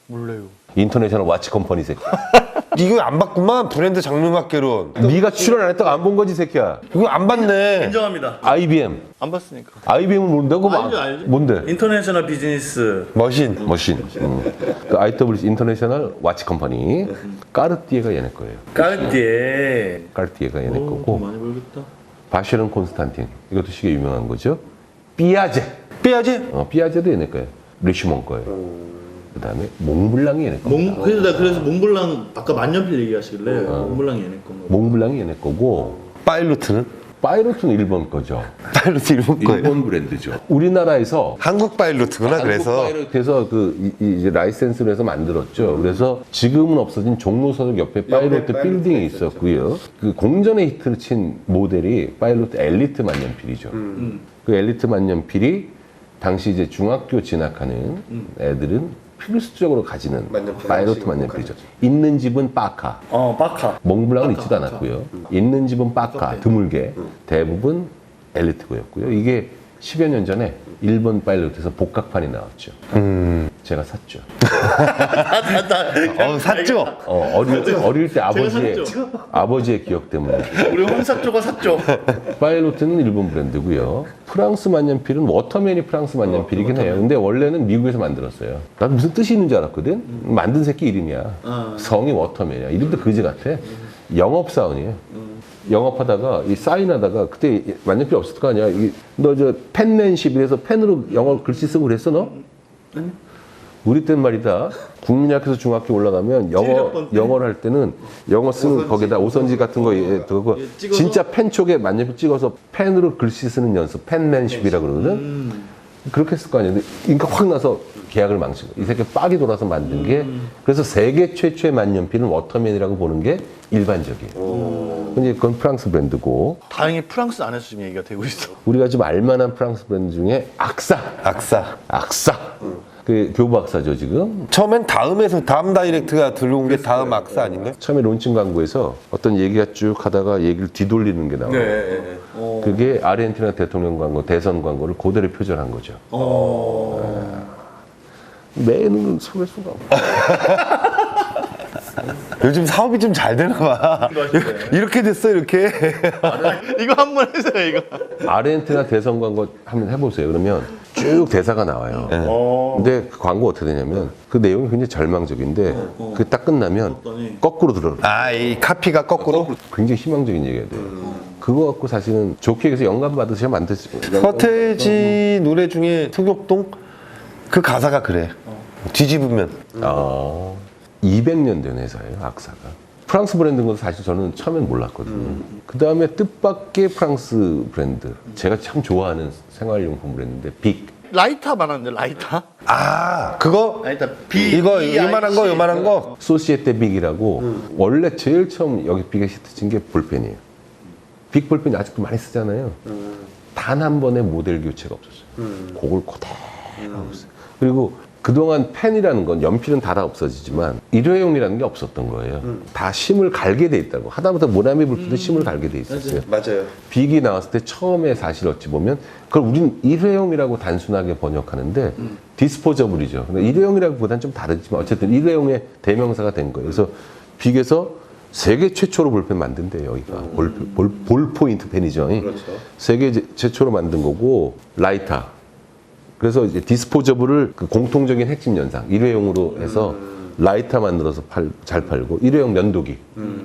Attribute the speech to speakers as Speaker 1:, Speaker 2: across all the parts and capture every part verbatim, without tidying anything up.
Speaker 1: 몰라요.
Speaker 2: 인터내셔널 와치 컴퍼니 새끼.
Speaker 3: 이거 안 봤구만. 브랜드 장르학개론.
Speaker 2: 네가 출연 안 했다가 안 본 거지 새끼야.
Speaker 3: 이거 안 봤네.
Speaker 1: 인정합니다.
Speaker 2: 아이비엠.
Speaker 1: 안 봤으니까.
Speaker 2: 아이비엠은 모른다고?
Speaker 1: 알죠, 알죠.
Speaker 2: 뭔데?
Speaker 1: 인터내셔널 비즈니스.
Speaker 3: 머신.
Speaker 2: 머신. 음. 그 아이더블유씨 인터내셔널 와치 컴퍼니. 까르띠에가 얘네 거예요.
Speaker 1: 까르띠에.
Speaker 2: 까르띠에가 얘네
Speaker 1: 오, 돈
Speaker 2: 거고.
Speaker 1: 많이 벌겠다.
Speaker 2: 바쉐론 콘스탄틴. 이것도 시계 유명한 거죠. 삐아제.
Speaker 3: 삐아지?
Speaker 2: 어, 삐아제도 얘네 거예요. 리슈몬 거예요. 그 다음에 몽블랑이 얘네 거.
Speaker 1: 몽 그래서 나 그래서 몽블랑 아까 만년필 얘기하시길래 몽블랑이 얘네 건가.
Speaker 2: 몽블랑이 얘네 거고.
Speaker 3: 파일로트는?
Speaker 2: 파이로트는 일본 거죠.
Speaker 3: 파일로트 일본 거예요.
Speaker 2: 일본 브랜드죠. 우리나라에서
Speaker 3: 한국 파일로트구나. 그래서
Speaker 2: 그래서 그 이, 이 이제 라이센스를 해서 만들었죠. 그래서 지금은 없어진 종로서역 옆에 파일로트
Speaker 3: 파일로트
Speaker 2: 빌딩이 있었고요. 그 공전에 히트를 친 모델이 파일로트 엘리트 만년필이죠.
Speaker 1: 음.
Speaker 2: 그 엘리트 만년필이 당시 이제 중학교 진학하는 애들은 필수적으로 가지는
Speaker 3: 만년필
Speaker 2: 파일로트
Speaker 3: 하나씩
Speaker 2: 만년필이죠. 있는 집은 빠카.
Speaker 1: 어 바카.
Speaker 2: 몽블랑은 있지도 않았고요. 있는 집은 빠카, 드물게 대부분 엘리트고였고요. 이게 십여 년 전에 일본 파일로트에서 복각판이 나왔죠.
Speaker 3: 음.
Speaker 2: 제가 샀죠.
Speaker 3: 어, 샀죠?
Speaker 2: 어, 어릴, 때, 어릴 때 아버지의
Speaker 1: 샀죠.
Speaker 2: 아버지의 기억 때문에.
Speaker 1: 우리 홍사조가 샀죠.
Speaker 2: 파일로트는 일본 브랜드고요. 프랑스 만년필은 워터맨이 프랑스 만년필이긴 해요. 근데 원래는 미국에서 만들었어요. 나도 무슨 뜻이 있는 줄 알았거든. 만든 새끼 이름이야.
Speaker 1: 아.
Speaker 2: 성이 워터맨이야. 이름도 그지 같아. 영업사원이에요. 영업하다가 이 사인하다가 그때 만년필 없었을 거 아니야. 너 저 펜맨십 이래서 펜으로 영어 글씨 쓰고 그랬어 너?
Speaker 1: 아니.
Speaker 2: 우리 땐 말이다. 국민학교에서 중학교 올라가면 영어
Speaker 1: 칠십번 펜.
Speaker 2: 영어를 할 때는 영어 쓰는 거기다 오선지 같은 거 예, 그거
Speaker 1: 예, 찍어서?
Speaker 2: 진짜 펜 쪽에 만년필 찍어서 펜으로 글씨 쓰는 연습 펜맨십이라 그러거든.
Speaker 1: 음.
Speaker 2: 그렇게 했을 거 아니야. 근데 인가 확 나서 계약을 망치고 이 새끼 빡이 돌아서 만든 게 그래서 세계 최초의 만년필은 워터맨이라고 보는 게 일반적이에요. 근데 그건 프랑스 브랜드고
Speaker 1: 다행히 프랑스 안에서 지금 얘기가 되고 있어.
Speaker 2: 우리가 좀 알만한 프랑스 브랜드 중에 악사,
Speaker 3: 악사.
Speaker 2: 악사. 그 교부 악사죠 지금.
Speaker 3: 처음엔 다음에서 다음 다이렉트가 들어온 게 다음 악사 아닌가요?
Speaker 2: 처음에 론칭 광고에서 어떤 얘기가 쭉 하다가 얘기를 뒤돌리는 게 나와요.
Speaker 1: 네. 어.
Speaker 2: 그게 아르헨티나 대통령 광고, 대선 광고를 그대로 표절한 거죠.
Speaker 1: 어.
Speaker 2: 매는 속일 수가 없고.
Speaker 3: 요즘 사업이 좀 잘 되나 봐. 이렇게 됐어, 이렇게.
Speaker 1: 이거 한 번 해주세요 이거.
Speaker 2: 아르헨티나 대선 광고 한번 해보세요. 그러면 쭉 대사가 나와요.
Speaker 1: 어.
Speaker 2: 근데 그 광고 어떻게 되냐면 그 내용이 굉장히 절망적인데 그 딱 끝나면
Speaker 1: 어떠니?
Speaker 2: 거꾸로 들어.
Speaker 3: 아, 이 카피가 거꾸로?
Speaker 2: 굉장히 희망적인 얘기가 돼요. 그거 갖고 사실은 좋게 해서 영감 받으셔야 만드시.
Speaker 3: 서태지 노래 중에 특욕동? 그 가사가 그래. 뒤집으면.
Speaker 2: 아, 이백 년 된 회사예요, 악사가. 프랑스 브랜드인 것도 사실 저는 처음엔 몰랐거든요.
Speaker 1: 음.
Speaker 2: 그 다음에 뜻밖의 프랑스 브랜드. 제가 참 좋아하는 생활용품 브랜드인데, 빅.
Speaker 1: 라이터 말하는데 라이터?
Speaker 3: 아, 그거?
Speaker 1: 라이터 B
Speaker 3: 이거
Speaker 1: E I C.
Speaker 3: 요만한 거, 요만한 거?
Speaker 2: 소시에테 빅이라고,
Speaker 1: 음.
Speaker 2: 원래 제일 처음 여기 빅에 시트 친 게 볼펜이에요. 빅 볼펜이 아직도 많이 쓰잖아요.
Speaker 1: 음.
Speaker 2: 단 한 번의 모델 교체가 없었어요. 그걸 그대로 하고 있어요. 그리고 그동안 펜이라는 건 연필은 다 다 없어지지만 일회용이라는 게 없었던 거예요. 다 심을 갈게 돼 있다고. 하다못해 모나미 불필도 심을 갈게 돼 있었어요.
Speaker 3: 맞아요.
Speaker 2: 빅이 나왔을 때 처음에 사실 어찌 보면 그걸 우린 일회용이라고 단순하게 번역하는데 디스포저블이죠. 근데 일회용이라기보다는 좀 다르지만 어쨌든 일회용의 대명사가 된 거예요. 그래서 빅에서 세계 최초로 볼펜 만든대요, 여기가. 볼, 볼, 볼 포인트 펜이죠.
Speaker 3: 그렇죠.
Speaker 2: 세계 제- 최초로 만든 거고, 라이터. 그래서 이제 디스포저블을 그 공통적인 핵심 연상, 일회용으로 해서 라이터 만들어서 팔, 잘 팔고, 일회용 면도기.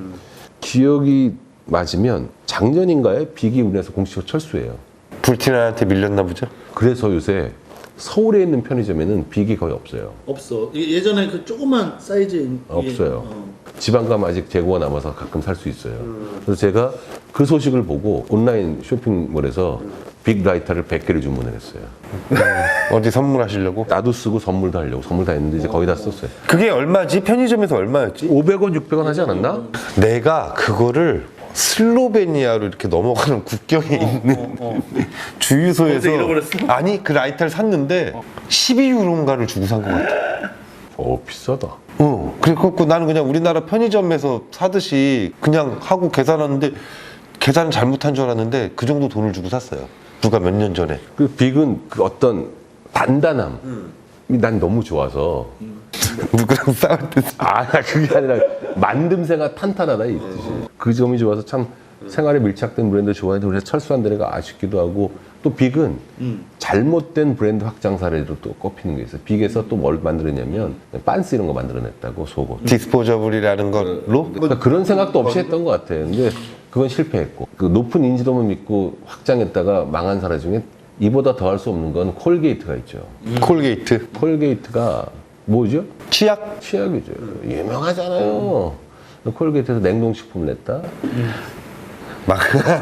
Speaker 2: 기억이 맞으면 작년인가에 빅이 우리나라에서 공식으로 철수해요.
Speaker 3: 불티나한테 밀렸나 보죠?
Speaker 2: 그래서 요새 서울에 있는 편의점에는 빅이 거의 없어요.
Speaker 1: 없어. 이게 예전에 그 조그만 사이즈
Speaker 2: 없어요. 지방 가면 아직 재고가 남아서 가끔 살 수 있어요. 그래서 제가 그 소식을 보고 온라인 쇼핑몰에서 빅 라이터를 백 개를 주문을 했어요.
Speaker 3: 어디 선물하시려고?
Speaker 2: 나도 쓰고 선물도 하려고. 선물 다 했는데 이제 거의 다 썼어요.
Speaker 3: 그게 얼마지? 편의점에서 얼마였지?
Speaker 2: 오백 원, 육백 원 하지 않았나?
Speaker 3: 내가 그거를 슬로베니아로 이렇게 넘어가는 국경에 있는 주유소에서
Speaker 1: 어제 잃어버렸어?
Speaker 3: 아니 그 라이터를 샀는데 십이 유로인가를 주고 산 것 같아.
Speaker 2: 어, 비싸다.
Speaker 3: 어, 그래갖고 나는 그냥 우리나라 편의점에서 사듯이 그냥 하고 계산하는데 계산을 잘못한 줄 알았는데 그 정도 돈을 주고 샀어요. 누가 몇 년 전에.
Speaker 2: 그 빅은 그 어떤 단단함이 난 너무 좋아서
Speaker 3: 누구랑 싸울 때
Speaker 2: 아, 그게 아니라 만듦새가 탄탄하다 이 뜻이. 그 점이 좋아서 참 생활에 밀착된 브랜드 좋아해도 그래서 철수한 데가 아쉽기도 하고 또 빅은
Speaker 1: 음.
Speaker 2: 잘못된 브랜드 확장 사례로 또 꼽히는 게 있어요. 빅에서 또 뭘 만들었냐면 빤스 이런 거 만들어냈다고 속옷.
Speaker 3: 디스포저블이라는 걸로
Speaker 2: 그러니까 그런 생각도 없이 했던 것 같아요. 근데 그건 실패했고 그 높은 인지도만 믿고 확장했다가 망한 사례 중에 이보다 더 할 수 없는 건 콜게이트가 있죠.
Speaker 3: 콜게이트
Speaker 2: 콜게이트가 뭐죠?
Speaker 3: 치약
Speaker 2: 치약이죠. 유명하잖아요. 콜게이트에서 냉동식품을 냈다.
Speaker 3: 막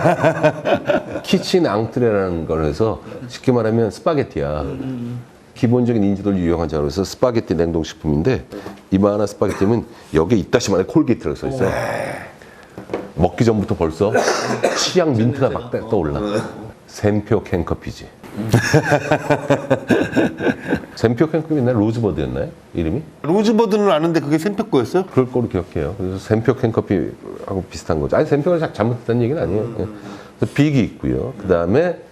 Speaker 2: 키친 앙트레라는 걸 해서 쉽게 말하면 스파게티야. 기본적인 인지도를 유용한 자로 해서 스파게티 냉동식품인데 이만한 스파게티면 여기에 이따시만에 콜게이트라고 써 있어요. 먹기 전부터 벌써 치약 민트가 막 떠올라. 샘표 캔커피지. 샘표 캔커피 옛날에 로즈버드였나요? 이름이?
Speaker 3: 로즈버드는 아는데 그게 샘표 거였어요?
Speaker 2: 그럴 거로 기억해요. 그래서 샘표 캔커피하고 비슷한 거죠. 아니 샘표가 잘못했다는 얘기는 아니에요. 그래서 빅이 있고요. 그 다음에